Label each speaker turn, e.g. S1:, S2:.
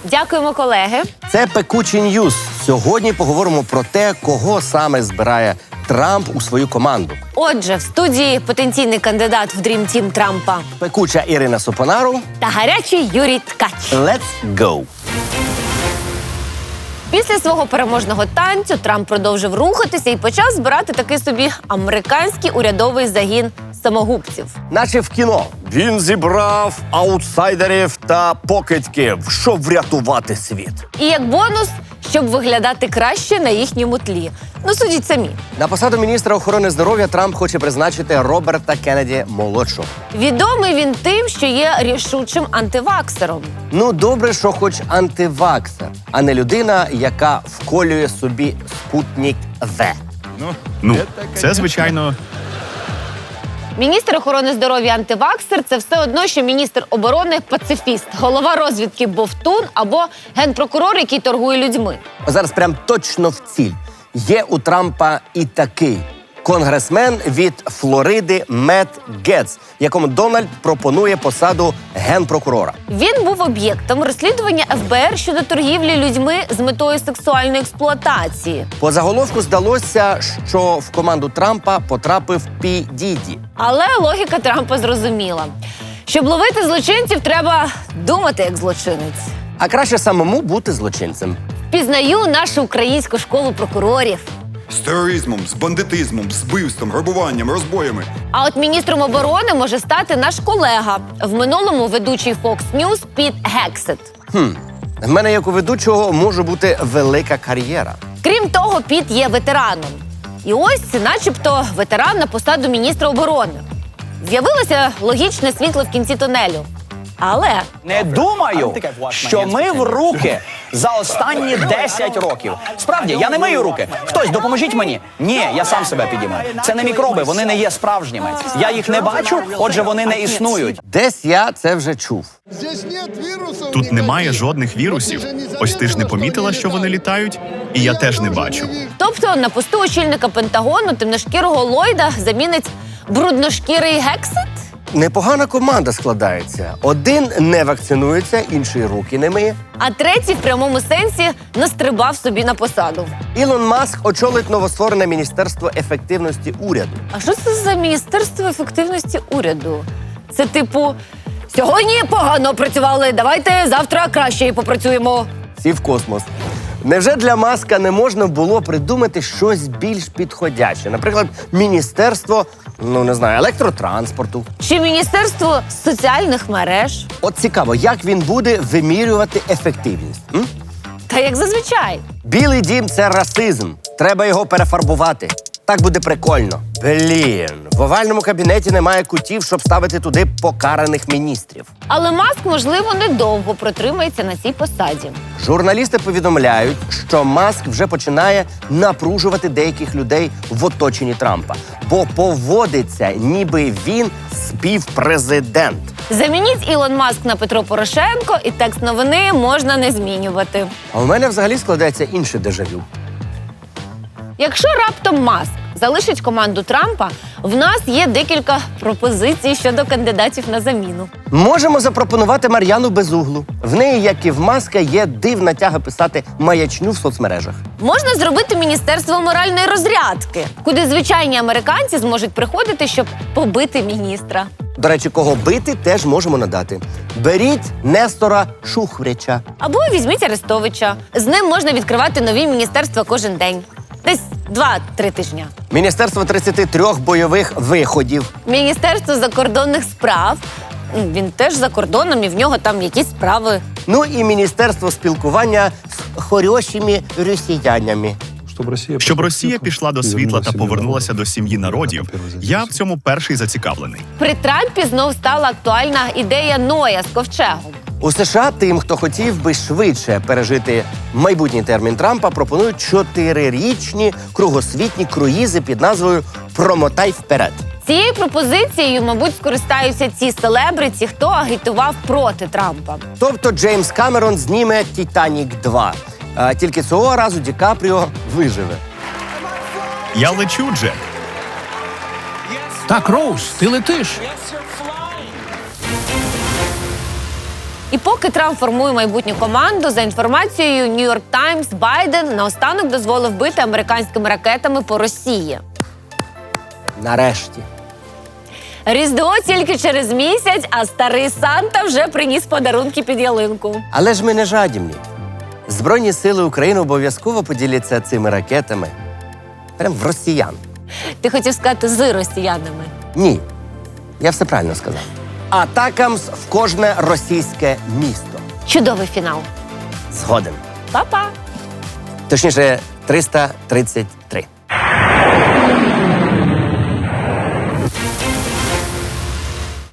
S1: Дякуємо, колеги.
S2: Це «Пекучі Ньюз». Сьогодні поговоримо про те, кого саме збирає Трамп у свою команду.
S1: Отже, в студії потенційний кандидат в Dream Team Трампа
S2: Пекуча Ірина Сопонару.
S1: та гарячий Юрій Ткач.
S2: Let's go!
S1: Після свого переможного танцю Трамп продовжив рухатися і почав збирати такий собі американський урядовий загін самогубців.
S2: Наче в кіно. Він зібрав аутсайдерів та покидьків, щоб врятувати світ.
S1: І як бонус, щоб виглядати краще на їхньому тлі. Ну, судіть самі.
S2: На посаду міністра охорони здоров'я Трамп хоче призначити Роберта Кеннеді-молодшого.
S1: Відомий він тим, що є рішучим антиваксером.
S2: Ну, добре, що хоч антиваксер, а не людина, яка вколює собі спутник В.
S3: Ну, це, звичайно,
S1: Міністр охорони здоров'я антиваксер – це все одно, що міністр оборони пацифіст, голова розвідки бовтун або генпрокурор, який торгує людьми.
S2: Зараз прям точно в ціль. Є у Трампа і такий конгресмен від Флориди Мет Гетц, якому Дональд пропонує посаду генпрокурора.
S1: Він був об'єктом розслідування ФБР щодо торгівлі людьми з метою сексуальної експлуатації.
S2: По заголовку здалося, що в команду Трампа потрапив Пі Діді.
S1: Але логіка Трампа зрозуміла. Щоб ловити злочинців, треба думати як злочинець.
S2: А краще самому бути злочинцем.
S1: Пізнаю нашу українську школу прокурорів.
S4: З тероризмом, з бандитизмом, з вбивством, грабуванням, розбоями.
S1: А от міністром оборони може стати наш колега, в минулому ведучий Fox News Піт Гексет.
S2: В мене, як у ведучого, може бути велика кар'єра.
S1: Крім того, Піт є ветераном. І ось, начебто, ветеран на посаду міністра оборони. З'явилося логічне світло в кінці тунелю. Але
S5: Не думаю, що мив руки за останні 10 років. Справді, я не мию руки. Хтось, допоможіть мені. Ні, я сам себе підіймаю. Це не мікроби, вони не є справжніми. Я їх не бачу, отже, вони не існують.
S2: Десь я це вже чув.
S3: тут немає жодних вірусів. Ось ти ж не помітила, що вони літають, і я теж не бачу.
S1: тобто на посту очільника Пентагону темношкірого Ллойда замінить брудношкірий Гексет?
S2: Непогана команда складається. Один не вакцинується, інший руки не миє.
S1: А третій в прямому сенсі настрибав собі на посаду.
S2: Ілон Маск очолить новостворене Міністерство ефективності уряду.
S1: А що це за Міністерство ефективності уряду? Це типу, сьогодні погано працювали, давайте завтра краще попрацюємо.
S2: Всі в космос. Невже для Маска не можна було придумати щось більш підходяще? Наприклад, міністерство, електротранспорту.
S1: Чи Міністерство соціальних мереж?
S2: От цікаво, як він буде вимірювати ефективність?
S1: Та як зазвичай.
S2: Білий дім – це расизм. Треба його перефарбувати. Так буде прикольно. Блін, в овальному кабінеті немає кутів, щоб ставити туди покараних міністрів.
S1: Але Маск, можливо, недовго протримається на цій посаді.
S2: Журналісти повідомляють, що Маск вже починає напружувати деяких людей в оточенні Трампа, бо поводиться, ніби він співпрезидент.
S1: Замініть Ілон Маск на Петро Порошенко, і текст новини можна не змінювати.
S2: А у мене взагалі складається інше дежавю.
S1: Якщо раптом Маск залишить команду Трампа, в нас є декілька пропозицій щодо кандидатів на заміну.
S2: Можемо запропонувати Мар'яну Безуглу. В неї, як і в Маска, є дивна тяга писати маячню в соцмережах.
S1: Можна зробити Міністерство моральної розрядки, куди звичайні американці зможуть приходити, щоб побити міністра.
S2: До речі, кого бити, теж можемо надати. Беріть Нестора Шухврича.
S1: Або візьміть Арестовича. З ним можна відкривати нові міністерства кожен день. Десь 2-3 тижня.
S2: Міністерство 33 бойових виходів.
S1: Міністерство закордонних справ. Він теж за кордоном, і в нього там якісь справи.
S2: Ну і Міністерство спілкування з хорошими росіянами.
S3: Щоб Росія пішла до світла та повернулася до сім'ї народів, я в цьому перший зацікавлений.
S1: При Трампі знов стала актуальна ідея Ноя з ковчегом.
S2: У США тим, хто хотів би швидше пережити майбутній термін Трампа, пропонують 4-річні кругосвітні круїзи під назвою «Промотай вперед».
S1: Цією пропозицією, мабуть, скористаються ці селебриті, хто агітував проти Трампа.
S2: Тобто Джеймс Камерон зніме «Титанік 2». Тільки цього разу Ді Капріо виживе.
S3: Я лечу, Джек.
S6: Так, Роуз, ти летиш.
S1: І поки Трамп формує майбутню команду, за інформацією New York Times, Байден наостанок дозволив бити американськими ракетами по Росії.
S2: Нарешті.
S1: Різдво тільки через місяць, а старий Санта вже приніс подарунки під ялинку.
S2: Але ж ми не жадібні. Збройні сили України обов'язково поділяться цими ракетами. Прям в росіян.
S1: Ти хотів сказати з росіянами.
S2: Ні, я все правильно сказав. Атакамс в кожне російське місто.
S1: Чудовий фінал.
S2: Згоден.
S1: Па-па!
S2: Точніше, 333.